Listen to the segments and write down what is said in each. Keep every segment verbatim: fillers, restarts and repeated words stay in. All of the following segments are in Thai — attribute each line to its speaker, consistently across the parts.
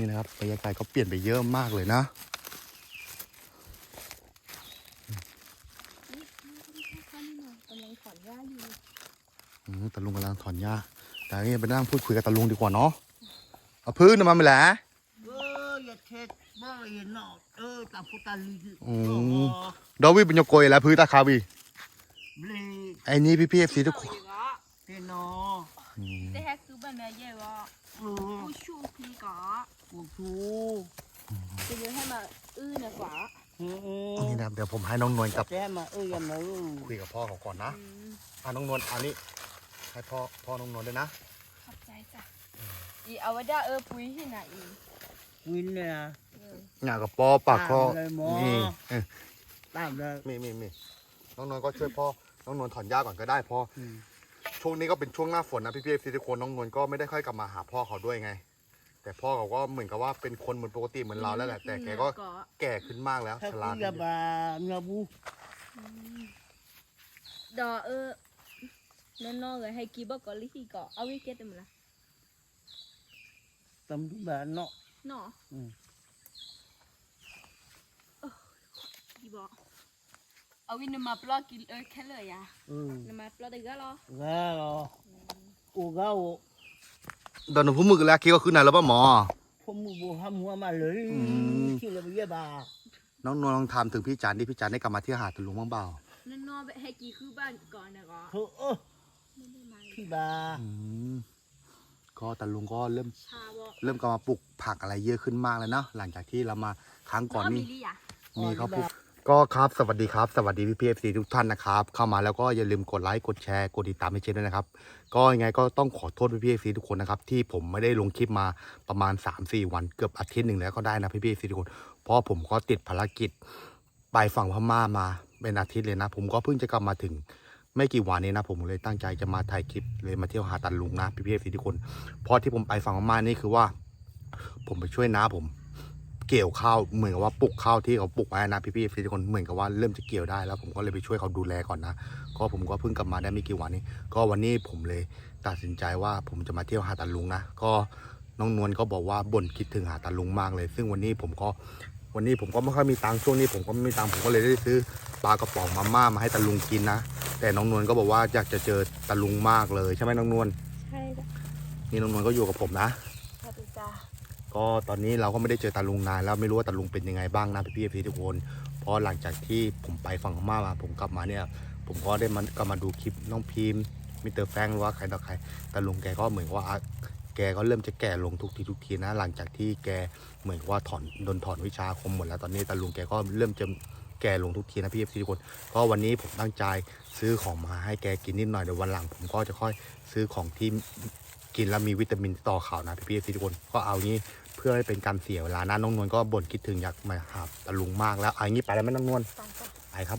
Speaker 1: นี่นะครับบรรยากาศก็เปลี่ยนไปเยอะมากเลยนะ
Speaker 2: กำลังถอนหญ้าอยู่
Speaker 1: ตาลุงกำลังถอนหญ้าแต่นี่ไปนั่งพูดคุยกับตาลุงดีกว่าเนาะเอาพื้นมาไม่แหละ
Speaker 3: เอออย่าเช็ดบ้าเห็นเนาะเออตาพุตาลี
Speaker 1: อืมดาวิเป็นยกโกยแล้วพื้นตาคาวีไอ้นี่พี่พี่เอฟซีทุกคน
Speaker 3: เห็นเนาะ
Speaker 2: แต่แค่คือแบบนี้เยอะวะผู้ชูพีก่อ
Speaker 3: ผู้ชู
Speaker 2: จะเยอะให้มาอื้อเนี่ยกว่า
Speaker 1: นี่นะเดี๋ยวผมให้น้องนวลกับ
Speaker 3: แจ้มาเอ้ยยังไง
Speaker 1: คุยกับพ่อเขาก่อนนะอ่าน้องนวลอันนี้ให้พ่อพ่อน้องนวลด้วยนะ
Speaker 2: ขอบใจจ้ะอีเอาไว้ได้เออปุ้ยที่ไหนอี
Speaker 3: วินเนี่ย
Speaker 1: หน้ากับปอปากคอนี่
Speaker 3: ตามเลย
Speaker 1: มีมีมีน้องนวลก็ช่วยพ่อน้องนวลถอนหญ้าก่อนก็ได้พ่อช่วงนี้ก็เป็นช่วงหน้าฝนนะพี่พี่ทุกคนน้องนวลก็ไม่ได้ค่อยกลับมาหาพ่อเขาด้วยไงแต่พ่อเขาก็เหมือนกับว่าเป็นคนเหมือนปกติเหมือนเราแล้วแหละแต่แกก็แก่ขึ้นมากแล้วชรา
Speaker 3: ขึ้นบาเงาบู
Speaker 2: ดอเออนั่นน้องเลยให้กีบอกก่อนลิขิก่อเอาวิเกตมั้ยล่ะ
Speaker 3: ตำดูแบบเนาะ
Speaker 2: เนาะกีบอกเอาวินมาปลอกกินเออแค่เลยอ่ะนมาปลอกได้ก็รอ
Speaker 3: ก็รออูก็อู
Speaker 1: ตอนนี้ผมมือแล้วคิดว่าขึ้นไหนแล้วป่ะหมอ
Speaker 3: ผมมือบูห้ามหัวมาเลยที่เราไปเยี่ยบา
Speaker 1: น้องนวลลองถามถึงพี่จันดิพี่จันได้กลับมาที่หาดตะลุงบ้างเปล่า
Speaker 2: นั่นนอไปให้กีคือบ้านก่อนนะก็
Speaker 3: เออพี่บา
Speaker 1: ก็ตะลุงก็เริ่มเริ่มกลับมาปลูกผักอะไรเยอะขึ้นมากแล้วนะหลังจากที่เรามาครั้งก่อนนี่มีเขาปลูกก็ครับสวัสดีครับสวัสดีพี่พีเอฟซีทุกท่านนะครับเข้ามาแล้วก็อย่าลืมกดไลค์กดแชร์กดติดตามให้เชนด้วยนะครับก็ยังไงก็ต้องขอโทษพี่พีเอฟซีทุกคนนะครับที่ผมไม่ได้ลงคลิปมาประมาณ สามสี่ วันเกือบอาทิตย์หนึ่งแล้วก็ได้นะพี่พีเอฟซีทุกคนเพราะผมก็ติดภารกิจไปฝั่งพม่ามาเป็นอาทิตย์เลยนะผมก็เพิ่งจะกลับมาถึงไม่กี่วันนี้นะผมเลยตั้งใจจะมาถ่ายคลิปเลยมาเที่ยวหาดตะลุงนะพี่พีเอฟซีทุกคนเพราะที่ผมไปฝั่งพม่านี่คือว่าผมไปช่วยน้าผมเกี่ยวข้าวเหมือนกับว่าปลูกข้าวที่เขาปลูกไว้นะพี่ๆทุกคนเหมือนกับว่าเริ่มจะเกี่ยวได้แล้วผมก็เลยไปช่วยเขาดูแลก่อนนะก็ผมก็เพิ่งกลับมาได้ไม่กี่วันนี้ก็วันนี้ผมเลยตัดสินใจว่าผมจะมาเที่ยวหาดตะลุงนะก็น้องนวลก็บอกว่าบ่นคิดถึงหาดตะลุงมากเลยซึ่งวันนี้ผมก็วันนี้ผมก็ไม่ค่อยมีตังค์ช่วงนี้ผมก็ไม่มีตังค์ผมก็เลยได้ซื้อปลากระป๋องมาม่ามาให้ตะลุงกินนะแต่น้องนวลก็บอกว่าอยากจะเจอตะลุงมากเลยใช่ไหมน้องนวล
Speaker 2: ใช่จ้ะ
Speaker 1: นี่น้องนวลก็อยู่กับผมนะ
Speaker 2: สวัสดีจ้า
Speaker 1: ก็ตอนนี้เราก็ไม่ได้เจอตาลุงนานแล้วไม่รู้ว่าตาลุงเป็นยังไงบ้างนะพี่พี่พี่ทุกคนเพราะหลังจากที่ผมไปฝั่งพม่ามาผมกลับมาเนี่ยผมก็ได้มันก็มาดูคลิปน้องพิมพ์มิสเตอร์แฟงหรือว่าใครต่อใครตาลุงแกก็เหมือนว่าแกก็เริ่มจะแก่ลงทุกทีทุกทีนะหลังจากที่แกเหมือนว่าถอนโดนถอนวิชาคมหมดแล้วตอนนี้ตาลุงแกก็เริ่มจะแก่ลงทุกทีนะพี่พี่ทุกคนก็วันนี้ผมตั้งใจซื้อของมาให้แกกินนิดหน่อยเดี๋ยววันหลังผมก็จะค่อยซื้อของที่กินแล้วมีวิตามินต่อข่าวนะพี่พี่ทุกคนก็เอางี้เพื่อให้เป็นการเสียเวลานะน้องนวลก็บ่นคิดถึงอยากมาหาตะลุงมากแล้วเอางี้ไปแล้วไหมน้องนวลไปครับ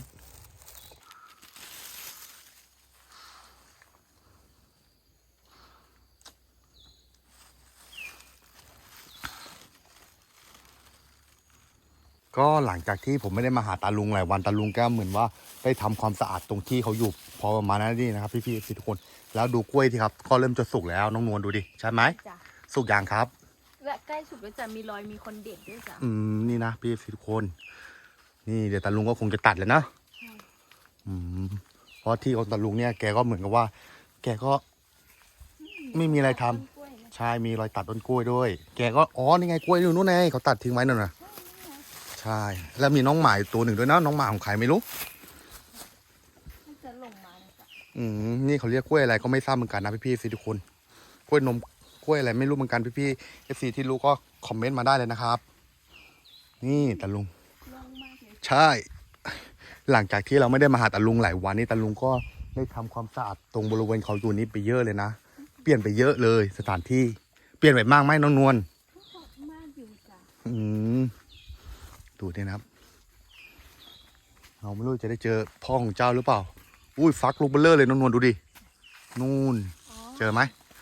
Speaker 1: ก็หลังจากที่ผมไม่ได้มาหาตาลุงหลายวันตาลุงก็เหมือนว่าได้ทำความสะอาดตรงที่เขาอยู่พอประมาณนั้นนี่นะครับพี่ๆทุกคนแล้วดูกล้วยที่ครับก็เริ่มจะสุกแล้วน้องนวลดูดิใช่ไหมสุกอย่างครับ
Speaker 2: และใกล้สุดก็จะมีรอยมีคนเด็ดด้วยจ้ะ
Speaker 1: อืมนี่นะพี่ทุกคนนี่เดี๋ยวตาลุงก็คงจะตัดเลยนะอืมเพราะที่ของตาลุงเนี่ยแกก็เหมือนกับว่าแกก็ไม่มีอะไรทำใช่มีรอยตัดต้นกล้วยด้วยแกก็อ๋อนี่ไงกล้วยอยู่นู้นไงเขาตัดทิ้งไว้นั่นน่ะใช่แล้วมีน้องหมาตัวหนึ่งด้วยนะน้องหมาของใครไม่รู้
Speaker 2: จะลงมาจ้ะ
Speaker 1: อืมนี่เขาเรียกกล้วยอะไรก็ไม่ทราบเหมือนกันนะพี่ๆทุกคนกล้วยนมกล้วยอะไรไม่รู้เหมือนกันพี่ๆเอฟซีที่รู้ก็คอมเมนต์มาได้เลยนะครับนี่ตาลุงใช่หลังจากที่เราไม่ได้มาหาตาลุงหลายวันนี้ตาลุงก็ได้ทำความสะอาดตรงบริเวณเขาตัวนี้ไปเยอะเลยนะเปลี่ยนไปเยอะเลยสถานที่เปลี่ยนไปมากไหมน้องนวล
Speaker 2: มากอยู่จ้ะ
Speaker 1: อืมดูดินะครับเราไม่รู้จะได้เจอพ่อของเจ้าหรือเปล่าอุ้ยฟักลูกเบลเลอร์เลยน้องนวลดูดินู่นเจอไหม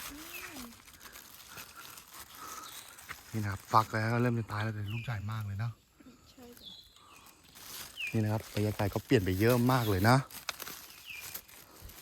Speaker 1: นี่นะครับฟักแล้วเริ่มจะตายแล้วแต่ลูกใหญ่มากเลยนะนี่นะครับบรรยากาศก็เปลี่ยนไปเยอะมากเลยนะ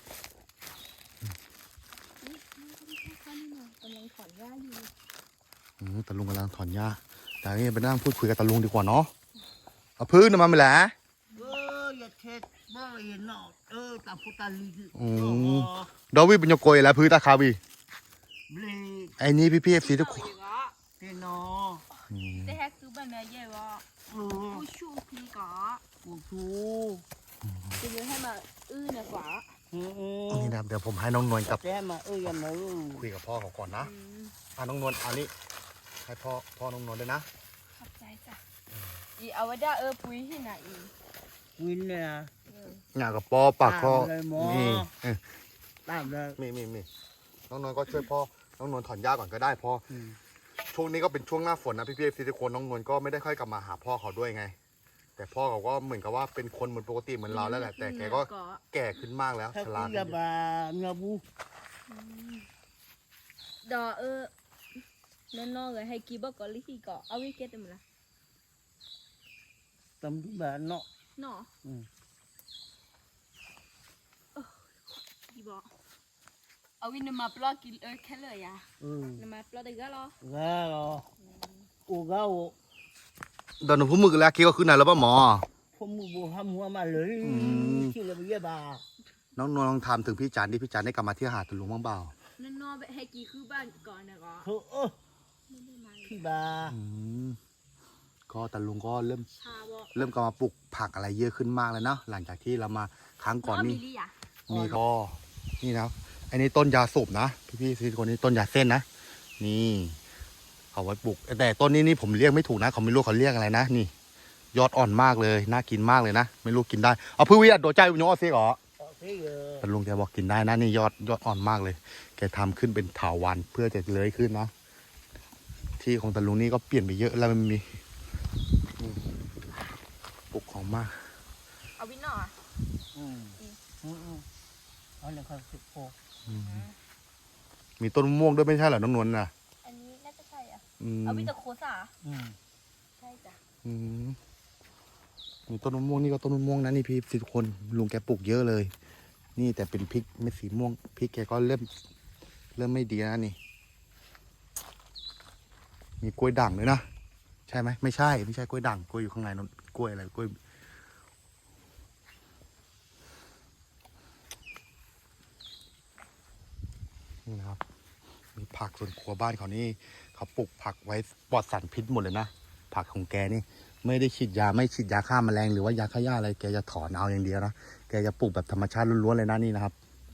Speaker 2: กำลังถอนหญ้าอยู่
Speaker 1: อืมตาลุงกำลังถอนหญ้าแต่นี่ไปนั่งพูดคุยกับตาลุงดีกว่าเนาะเอาพื้นมาไม่แหละ
Speaker 3: เอออย่าเช็ดบ่เห็นเนาะเออตาพุตาลี
Speaker 1: อืมดอวิเป็นโยโกยแล้วพื้นตาคาวี
Speaker 3: เบล
Speaker 1: ไอ้นี่พี่พี่เอฟซีทุกคน
Speaker 3: เตนอ
Speaker 1: อืม
Speaker 2: แต่แฮกคือบ้านแม่ใหญ่ว่า
Speaker 3: เออ
Speaker 2: ผู้ชูพี่ก็
Speaker 3: โอ้โห
Speaker 2: จะยืนให้มาอื้อเนี่ยกว่า
Speaker 3: อืมอืม
Speaker 1: นี่นะครับเดี๋ยวผมให้น้องนวลกับ
Speaker 3: แต่มาเอออย่ามาเออ
Speaker 1: คุยกับพ่อเขาก่อนนะ
Speaker 2: อืม
Speaker 1: อ่ะน้องนวลอันนี้ให้พ่อพ่อน้องนวลด้วยนะ
Speaker 2: ขอบใจจ้ะอีเอาไว้ได้เออปุ้ยที่ไหนอี
Speaker 3: วินเนี่ย
Speaker 2: เออ
Speaker 1: งานกับปอปากคอ
Speaker 3: ตามเลยหมอ
Speaker 1: นี่เออ
Speaker 3: ตามเลย
Speaker 1: มีมีมีน้องนวลก็ช่วยพ่อน้องนวลถอนหญ้าก่อนก็ได้พ่อ
Speaker 3: อืม
Speaker 1: ช่วงนี้ก็เป็นช่วงหน้าฝนนะพี่พี่เอฟซีทุกคนน้องนวลก็ไม่ได้ค่อยกลับมาหาพ่อเขาด้วยไง แต่พ่อเขาก็เหมือนกับว่าเป็นคนเหมือนปกติเหมือนเราแล้วแหละแต่แกก็แก่ขึ้นมากแล้ว
Speaker 3: ถ้า
Speaker 1: ช
Speaker 3: คุ
Speaker 1: รา
Speaker 3: ณ
Speaker 1: ขึ้น
Speaker 3: อย่า
Speaker 1: เยอะ
Speaker 3: บาเงาบู
Speaker 2: ดอเออนั่นนอกเลยให้กีบอกก่อนลิขิก่อเอาวิเกตมันละ
Speaker 3: ตำดูแบบเนาะ
Speaker 2: เนาะ
Speaker 3: อืม
Speaker 2: กีบอกเอาวินมาปลอกกินเออแค่เลยอ่ะ
Speaker 3: อืม
Speaker 2: นมาปลอกได้ก็รอ
Speaker 3: Galo. O gao.
Speaker 1: ตอนหนูพูดมึกแล้วคิดว่าขึ้นไหนแล้วป่ะหมอ
Speaker 3: Không mua bộ ham hoa mà lưới.
Speaker 1: Ừ.
Speaker 3: Chỉ là bây giờ bà.
Speaker 1: น้องนวลลองถามถึงพี่จันดิพี่จันได้กลับมาที่หาดตะลุงบ้างเปล่า
Speaker 2: นั่นนอกไปให้กีคือบ้านก่อนนะก็
Speaker 3: Thôi ơ.
Speaker 2: ไม่ได้มา
Speaker 3: Khi bà.
Speaker 1: อืมก็ตะลุงก็เริ่ม
Speaker 2: ชาบอก
Speaker 1: เริ่มกลับมาปลูกผักอะไรเยอะขึ้นมากเลยเนาะหลังจากที่เรามาครั้งก่อน
Speaker 2: มี
Speaker 1: นี่
Speaker 2: ลี่อ่ะ
Speaker 1: นี่ก็นี่นะครับอันนี้ต้นยาสูบนะพี่พี่ๆทุกคนนี่ต้นยาเส้นนะนี่เอาไว้ปลูกแต่ต้นนี้นี่ผมเรียกไม่ถูกนะเขาไม่รู้เขาเรียกอะไรนะนี่ ยอดอ่อนมากเลยน่ากินมากเลยนะไม่รู้กินได้เอาพื้นวิทย์โดดใจวิญญาณเสียเหรอ
Speaker 3: Ờ, thế giờ.
Speaker 1: แต่ลุงแกบอกกินได้นะนี่ยอดยอดอ่อนมากเลย แกทำขึ้นเป็นถาวรเพื่อจะเลื้อยขึ้นนะที่ของตะลุงนี่ก็เปลี่ยนไปเยอะแล้วมันมีนี่ปลูกของมาก
Speaker 2: เอาวินเนาะ
Speaker 3: Ừ. Ừ. Ừ. Đó là con sự khô.
Speaker 1: อืมมีต้นมะม่วงด้วยไม่ใช่เหรอน้องนวลน่ะ
Speaker 2: อันนี้น่าจะใช่อ่ะ
Speaker 1: อืม
Speaker 2: เอาวินตะโคสา
Speaker 3: Ừ.
Speaker 2: ใช่จ้ะ
Speaker 1: อืมมีต้นมะม่วงนี่ก็ต้นมะม่วงนะนี่พี่สิทุกคนลุงแกปลูกเยอะเลย นี่แต่เป็นพริกเม็ดสีม่วงพริกแกก็เริ่ม เริ่มไม่ดีนะนี่ มีกล้วยด่างด้วยนะใช่ไหมไม่ใช่ไม่ใช่กล้วยด่างกล้วยอยู่ข้างในนั่นกล้วยอะไรกล้วยนี่นะครับ มีผักส่วนครัวบ้านเขานี่เขาปลูกผักไว้ปลอดสารพิษหมดเลยนะผักของแกนี่ ไม่ได้ฉีดยาไม่ฉีดยาฆ่าแมลงหรือว่ายาฆ่าหญ้าอะไรแกจะถอนเอาอย่างเดียวนะแกจะปลูกแบบธรรมชาติล้วนๆเลยนะนี่นะครับ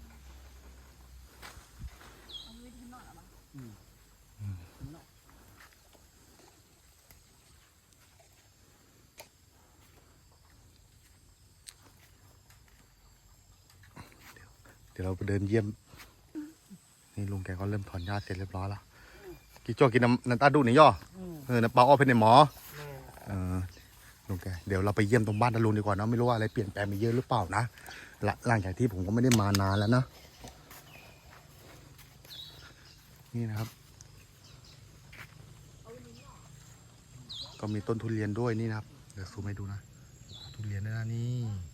Speaker 2: เอาวินที่นอกอ่ะ
Speaker 1: เดี๋ยวเราไปเดินเยี่ยมนี่ลุงแกก็เริ่มถอนหญ้าเสร็จเรียบร้อยแล้วกินจ้อกินน้ำน้ำตาดูหน่อยย่อ
Speaker 3: Ừ.
Speaker 1: เออน้ำเปล่าออกเป็นในหมอ
Speaker 3: Nè.
Speaker 1: เออลุงแกเดี๋ยวเราไปเยี่ยมตรงบ้านตาลุงดีกว่าเนอะไม่รู้ว่าอะไรเปลี่ยนแปลงไปเยอะหรือเปล่านะหลังหลังจากที่ผมก็ไม่ได้มานานแล้วนะนี่นะครับ ก็มีต้นทุเรียนด้วยนี่นะครับเดี๋ยวซูมให้ดูนะทุเรียนด้วยนะนี่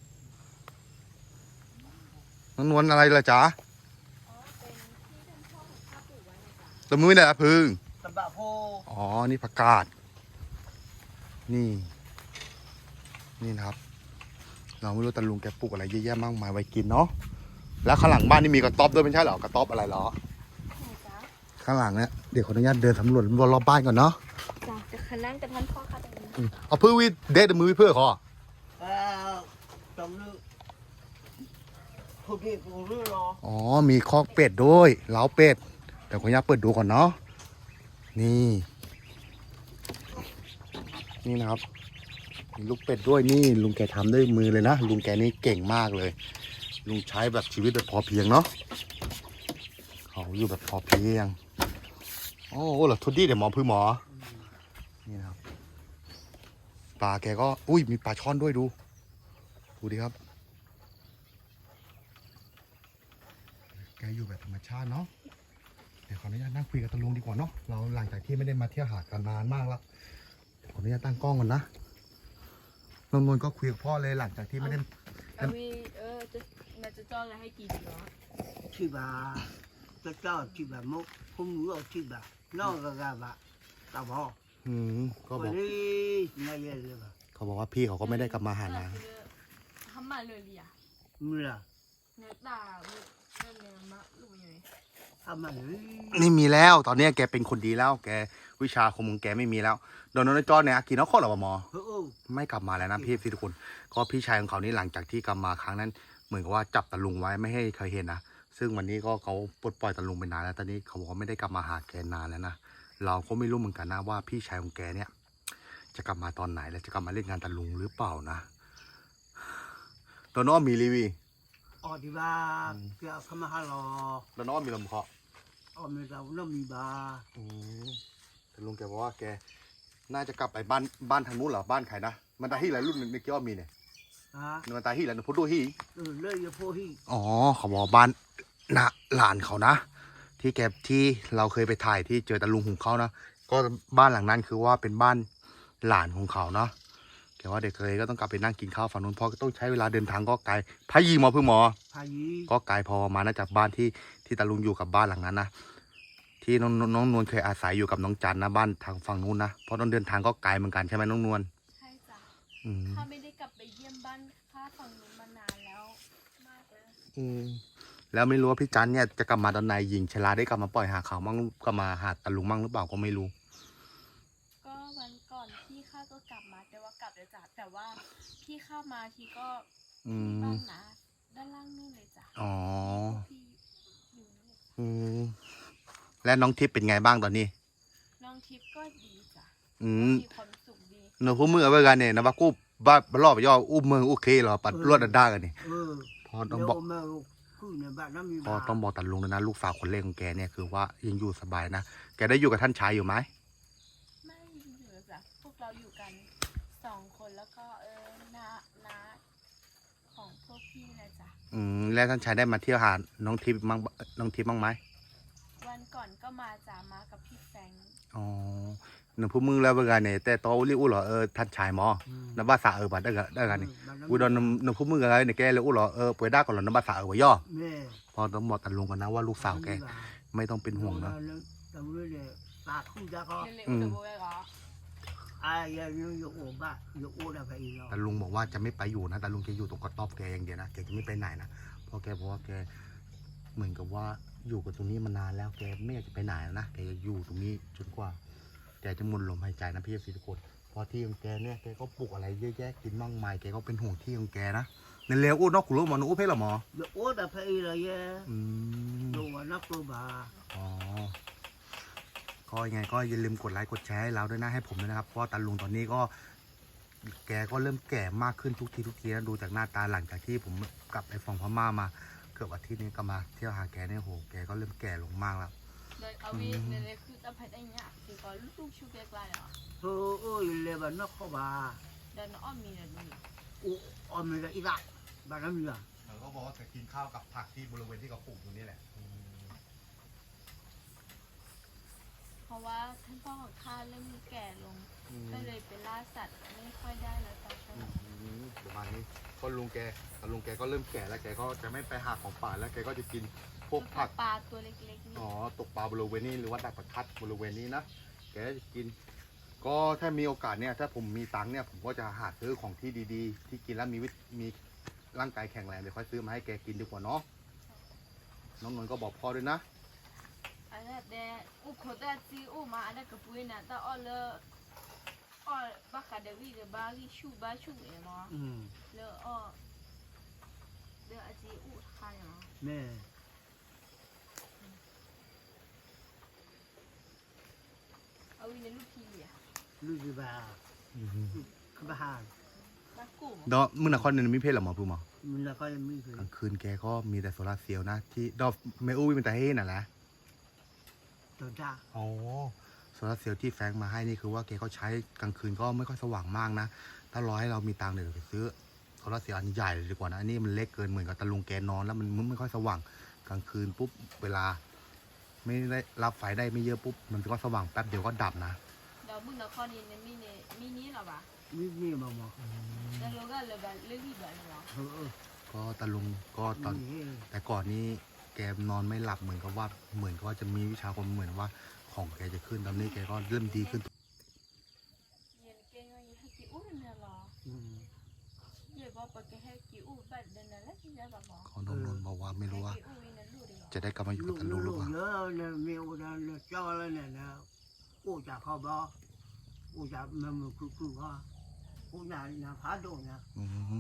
Speaker 1: น้องนวลอะไรล่ะจ๊ะ
Speaker 2: อ๋อเป็นที่ท่านพ่อของข้าปลูกไว้นะจ๊ะ
Speaker 1: ตะมือเนี่ยพึ่ง
Speaker 3: Tầm bạ phô.
Speaker 1: อ๋อนี่ผักกาดนี่ นี่นะครับ เราไม่รู้ตาลุงแกปลูกอะไรเยอะแยะมากมายไว้กินเนาะแล้วข้างหลังบ้านนี่มีกระต๊อบด้วยไม่ใช่เหรอกระต๊อบอะไรเหรอ
Speaker 2: ไหนจ๊ะ
Speaker 1: ข้างหลังเนี่ยเดี๋ยวขออนุญาตเดินสำรวจรอบๆบ้านก่อนเนาะ
Speaker 2: จ้ะจะคันนั่งกับท่านพ่อค่ะตรงนี้
Speaker 1: อืมเอาพื้นวิเด็ดมือวิเพื่อขอ
Speaker 3: À, tầm nước. Thôi đi cùng nước lo.
Speaker 1: อ๋อมีคอกเป็ดด้วยเล้าเป็ดเดี๋ยวขออนุญาตเปิดดูก่อนเนาะนี่ นี่นะครับ มีลูกเป็ดด้วยนี่ลุงแกทำด้วยมือเลยนะลุงแกนี่เก่งมากเลย ลุงใช้แบบชีวิตแบบพอเพียงเนาะเขาอยู่แบบพอเพียงโอ้โหเหรอทุดดี้เดี๋ยวหมอพื้นหมอนี่นะครับปลาแกก็อุ้ยมีปลาช่อนด้วยดูดูดิครับแกอยู่แบบธรรมชาติเนาะเดี๋ยวขออนุญาตนั่งคุยกับตาลุงดีกว่าเนาะเราหลังจากที่ไม่ได้มาเที่ยวหาดกันนานมากแล้วขออนุญาตตั้งกล้องก่อนนะนนท์ก็คุยกับพ่อเลยหลังจากที่ไม่ได้
Speaker 2: เอาวิเออจะมาจะจ้องอะไรให้กินเนาะ
Speaker 3: Chị bà. Cho cho chị bà mốc. Không ngủ ở chị bà. Nó gà gà bà. ตาบอ
Speaker 1: อืมก็บอก
Speaker 3: นี่ไงเยอะเลยป่ะ
Speaker 1: เขาบอกว่าพี่เขาก็ไม่ได้กลับมาหานะ
Speaker 2: ทำมาเลยลิอ่ะ
Speaker 3: มือละ
Speaker 2: เนื้อตาเนื้อเนื้อมะลูกอยู่
Speaker 3: ทำมาเลย
Speaker 1: นี่มีแล้วตอนเนี้ยแกเป็นคนดีแล้ว แกวิชาคมของแกไม่มีแล้วโดนนจอเนี่ยอากินนอกข้อหรอหมอ
Speaker 3: เออเออ
Speaker 1: ไม่กลับมาแล้วนะพี่ทุกคนก็พี่ชายของเขานี่หลังจากที่กลับมาครั้งนั้น เหมือนกับว่าจับตะลุงไว้ไม่ให้ใครเห็นนะซึ่งวันนี้ก็เขาปลดปล่อยตะลุงไปนานแล้วตอนนี้เขาบอกว่าไม่ได้กลับมาหาแกนานแล้วนะเราก็ไม่รู้เหมือนกันนะว่าพี่ชายของแกเนี่ย จะกลับมาตอนไหนและจะกลับมาเล่นงานตะลุงหรือเปล่านะตอนน้องมีรีวี
Speaker 3: ออดีบ้าเกี่ยวกับมาฮาลอ
Speaker 1: ตอนน้องมีลมเคาะ
Speaker 3: ออมีเราน้ำมีบา
Speaker 1: อืมตะลุงแกบอกว่าแกน่าจะกลับไปบ้านบ้านทางนู้นเหรอบ้านใครนะมันตาฮีอะไรรุ่นในเกี่ยวมีเนี่ย
Speaker 3: ฮะ
Speaker 1: มันตาฮีอะไรนะพุทธฮี
Speaker 3: เออเลยอย่าพูดที่
Speaker 1: อ๋อเขาบอกบ้านนะหลานเขานะ ที่แกที่เราเคยไปถ่ายที่เจอตะลุงของเขานะก็บ้านหลังนั้นคือว่าเป็นบ้านหลานของเขาเนาะแกว่าเด็กเคยก็ต้องกลับไปนั่งกินข้าวฝั่งนู้นเพราะต้องใช้เวลาเดินทางก็ไกลพายีหมอเพื่อหมอ
Speaker 3: พายี
Speaker 1: ก็ไกลพอมานะจากบ้านที่ที่ตะลุงอยู่กับบ้านหลังนั้นนะที่น้องน้องนวลเคยอาศัยอยู่กับน้องจันนะบ้านทางฝั่งนู้นนะเพราะต้องเดินทางก็ไกลเหมือนกันใช่ไหมน้องนวล
Speaker 2: ใช่จ้ะ
Speaker 1: อืม
Speaker 2: ข้าไม่ได้กลับไปเยี่ยมบ้านข้าฝั่งนู้นมานานแล้วมากแล้ว
Speaker 1: อืมแล้วไม่รู้ว่าพี่จันเนี่ยจะกลับมาตอนไหนหญิงชลาได้กลับมาปล่อยหาเขามั่งกลับมาหาตะลุงมั่งหรือเปล่าก็ไม่รู้
Speaker 2: ก็วันก่อนพี่ข้าก็กลับมาแต่ว่ากลับเลยจ้ะแต่ว่าพี่ข้ามาทีก็
Speaker 1: อื
Speaker 2: ที่
Speaker 1: ม
Speaker 2: บ้านนะด้านล่างนู่นเลยจ้ะ
Speaker 1: อ๋อ
Speaker 2: พี่อยู่นี่
Speaker 1: อืมและน้องทิพย์เป็นไงบ้างตอนนี้
Speaker 2: น้องทิพย์ก็ดีจ้ะ
Speaker 1: อืม
Speaker 2: มีความสุขดี
Speaker 1: หนูพูดมือเอาไว้กันเนี่ยนะว่ากูบ้ารอบย่ออุ้มมือโอเคเหรอปัดรวดด้ากันนี่
Speaker 3: เออ
Speaker 1: พอต้
Speaker 3: เดี๋
Speaker 1: อง
Speaker 3: ยว
Speaker 1: บอก
Speaker 3: มาคือในบ้านน้ำมี
Speaker 1: พอบ
Speaker 3: า
Speaker 1: ต้องบอกตัดลุงเลยนะลูกสาวคนเล็กของแกเนี่ยคือว่ายังอยู่สบายนะแกได้อยู่กับท่านชายอยู่ไหม
Speaker 2: ไม่อยู่แล้วจ้ะพวกเราอยู่กันสองคนแล้วก็เออน้าน้าของพวกพี่นะจ๊ะ
Speaker 1: อืมแล้วท่านชายได้มาเที่ยวหาน้องทิพย์มั่งน้องทิพย์บ้างไหม
Speaker 2: วันก่อนก็มาจ้ะมากับพี่แฟรงค์
Speaker 1: อ๋อหนูพูดมือแล้วเวลาเนี่ยแต่ตออุลิอุเหรอเออท่านชายหมอ
Speaker 3: อืม
Speaker 1: น้ำบ้าสาเออบัดได้กันได้กันนี่
Speaker 3: บ้านน้ำ
Speaker 1: กูโดนหนูพูดมืออะไรเนี่ยแกเลยอุเหรอเออป่วยได้ก่อนเหรอน้ำบ้าสาเออวะย่อ
Speaker 3: แม่
Speaker 1: พอต้องบอกตัดลุงกันนะว่าลูกสาวแกไม่ต้องเป็นห่วงนะ
Speaker 3: ตำรวจเนี่ยตาคู่จะก็
Speaker 2: เร็วๆเดี๋ยวโบยก็
Speaker 3: อายยังอยู่โอ้บ้าอยู่โอ้ได้ไปอีกแล้ว
Speaker 1: แต่ลุงบอกว่าจะไม่ไปอยู่นะแต่ลุงจะอยู่ตรงกระต๊อบแกอย่างเดียวนะแกจะไม่ไปไหนนะเพราะแกบอกว่าแกเหมือนกับว่าอยู่กับตรงนี้มานานแล้วแกไม่อยากจะไปไหนแล้วนะแกจะอยู่ตรงนี้จนกว่าแกจะหมดลมหายใจนะพี่ทุกคนเพราะที่ของแกเนี่ยแกก็ปลูกอะไรเยอะแยะกินมั่งมายแกก็เป็นห่วงที่ของแกนะในเร็วอู้นอกขุลุหมอหนูอู้เพลหรอหมอ
Speaker 3: อยู่โอ้ได้ไปอีกแล้วเย่
Speaker 1: อืม
Speaker 3: ดูว่านักตัวบา
Speaker 1: อ๋อก็ยังไงก็อย่าลืมกดไลค์กดแชร์ให้เราด้วยนะให้ผมด้วยนะครับเพราะตาลุงตอนนี้ก็ แกก็เริ่มแก่มากขึ้นทุกทีทุกทีนะดูจากหน้าตาหลังจากที่ผมกลับไปฝั่งพม่ามาเกือบอาทิตย์นี้ก็มาเที่ยวหาแกเนี่ยโหแกก็เริ่มแก่ลงมากแล้ว
Speaker 2: เลยเอาวิเร็วๆคือจะไปได้เนี่ยคือก็ลูกชูเกลายอ่ะ
Speaker 3: เออเออเลยบ้านนักเขาบา
Speaker 2: เดินอ้อมมีนะนี่
Speaker 3: โอ้อมีอะไรอีกละบ้านน้ำมีอ่ะ
Speaker 1: เขาก็บอกว่าจะกินข้าวกับผักที่บริเวณที่เขาปลูกตรงนี้แหละ
Speaker 2: เพราะว่าท่านพ่อของข้าเริ่มแก่ลงก็เลยไปล่าสัตว์ไม่ค่อยได้แล้วจ้ะ
Speaker 1: ประมาณนี้ก็ลุงแกแต่ลุงแกก็เริ่มแก่แล้วแกก็จะไม่ไปหาของป่าแล้วแกก็จะกินพวกผัก
Speaker 2: ปลาตัวเล็กๆนี่
Speaker 1: อ๋อตกปลาบริเวณนี้หรือว่าดักปลาคัดบริเวณนี้นะแกจะกิน ก็ถ้ามีโอกาสเนี่ยถ้าผมมีตังค์เนี่ยผมก็จะหาซื้อของที่ดีๆ ที่กินแล้วมีวิตมีร่างกายแข็งแรงเดี๋ยวค่อยซื้อมาให้แกกินดีกว่าเนาะน้องนนท์ก็บอกพ่อด้วยนะ
Speaker 2: อันนั้นแต่อุโคตรจีอุมาอันนั้นก็ปุ้ยนะแต่อ้อเลยอ้อบ้าคาเดวีเดบ้าลิชูบ้าชูเอ๋มั้ง
Speaker 3: อืม
Speaker 2: เลยอ้อเลยอาจีอุทานเนาะ
Speaker 3: แม่
Speaker 2: เอาวินลูกพี่อ่ะ
Speaker 3: ลูกจีบาขบหาน
Speaker 2: บ้ากูมั้ง
Speaker 1: ดอกมึงนครเนี่ยมีเพศเหรอหมอพูหมอ
Speaker 3: มันแล้วก็ยังมีคือก
Speaker 1: ลางคืนแกก็มีแต่โซลาร์เซลล์นะที่ดอกเมอุ้ยเป็นแต่เฮ่น่ะแหละ
Speaker 3: ตัวจ้า
Speaker 1: อ๋อโซลาร์เซลล์ที่แฟรงค์มาให้นี่คือว่าแกก็ใช้กลางคืนก็ไม่ค่อยสว่างมากนะถ้ารอให้เรามีตังค์เดี๋ยวไปซื้อโซลาร์เซลล์อันใหญ่เลยดีกว่านะอันนี้มันเล็กเกินเหมือนกับตะลุงแกนอนแล้วมันไม่ค่อยสว่างกลางคืนปุ๊บเวลา ไม่ได้รับไฟได้ไม่เยอะปุ๊บมันก็สว่างแป๊บเดียวก็ดับนะ
Speaker 2: เดี๋ยวมึงนครนี่ในมินิมินิหรอปะ
Speaker 3: มีมีมาหมอ
Speaker 2: แล้วเราก็เลยแบบเลือกที่แบบนี้หรอ
Speaker 3: เออเออ
Speaker 1: ก็ตะลุงก็ตอน
Speaker 3: มี
Speaker 1: แต่ก่อนนี้แกนอนไม่หลับเหมือนกับว่าเหมือนกับว่าจะมีวิชาคนเหมือนว่าของแกจะขึ้นตอนนี้แกก็เริ่มดีขึ้น
Speaker 2: เย็นเก่งว่าให้กี่อู้เนี่ยหรอ
Speaker 3: อืม
Speaker 2: เย่บอกว่าแกให้กี่อู้บัดเดินนั่นแหละที่จะบอกบอก
Speaker 1: ขอนนนท์บอกว่าไม่รู้ว่า
Speaker 2: กี่อู้นี่รู้ดี
Speaker 1: จะได้กลับมาอยู่
Speaker 3: ลู
Speaker 1: กับ
Speaker 3: ก
Speaker 1: ตาลุงหรือ
Speaker 3: ลูก
Speaker 1: เปล่า
Speaker 3: เยอะเนี่ยมีอุดรเนี่ยเจ้าแล้วเนี่ยนะกูจะเข้าบ่กูจะมันมันคือคือว่ากูจะนะพาโดนนะ
Speaker 1: อืม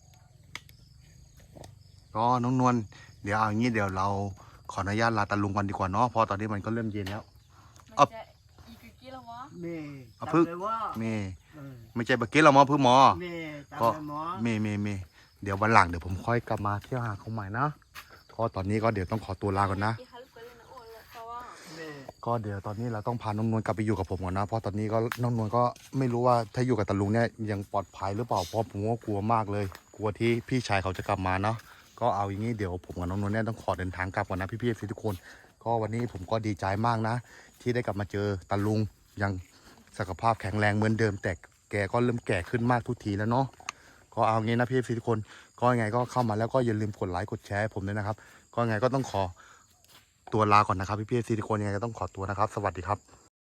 Speaker 1: ก็น้องนวลเดี๋ยวเอางี้เดี๋ยวเราขออนุญาตลาตาลุงกันดีกว่าเนาะเพราะตอนนี้มันก็เริ่มเย็นแล้ว
Speaker 2: มันจะอีกกี่แล้ววะ
Speaker 3: เมย์
Speaker 1: เอา
Speaker 3: จำ
Speaker 1: พึ่ง
Speaker 3: เลยว่า
Speaker 1: เมย์
Speaker 3: เออ
Speaker 1: ไม่ใช่เบอร์เกตเรามาพึ่งหมอ
Speaker 3: เมย์จำ
Speaker 1: ก็
Speaker 3: เลยหมอ
Speaker 1: เมย์เมย์เมย์เดี๋ยววันหลังเดี๋ยวผมค่อยกลับมาเที่ยวหาเขาใหม่นะก็ตอนนี้ก็เดี๋ยวต้องขอตัวลาก่อนนะ
Speaker 2: กี่ฮัลโหลกันเลยนะโอ้เลยเพราะว่า
Speaker 3: เมย์
Speaker 1: ก็เดี๋ยวตอนนี้เราต้องพาน้องนวลกลับไปอยู่กับผมก่อนนะเพราะตอนนี้ก็น้องนวลก็ไม่รู้ว่าถ้าอยู่กับตาลุงเนี่ยยังปลอดภัยหรือเปล่าเพราะผมก็กลัวมากเลย กลัวที่พี่ชายเขาจะกลับมาเนาะก็เอาอย่างนี้เดี๋ยวผมกับน้องนวลเนี่ยต้องขอเดินทางกลับก่อนนะพี่ๆทุกคนก็วันนี้ผมก็ดีใจมากนะ ที่ได้กลับมาเจอตาลุงยังสุขภาพแข็งแรงเหมือนเดิม แต่แกก็เริ่มแก่ขึ้นมากทุกทีแล้วเนาะก็เอางี้นะพี่ๆทุกคนก็ยังไงก็เข้ามาแล้วก็อย่าลืมกดไลค์กดแชร์ให้ผมด้วยนะครับก็ยังไงก็ต้องขอตัวลาก่อนนะครับพี่ๆทุกคนยังไงก็ต้องขอตัวนะครับ สวัสดีครับ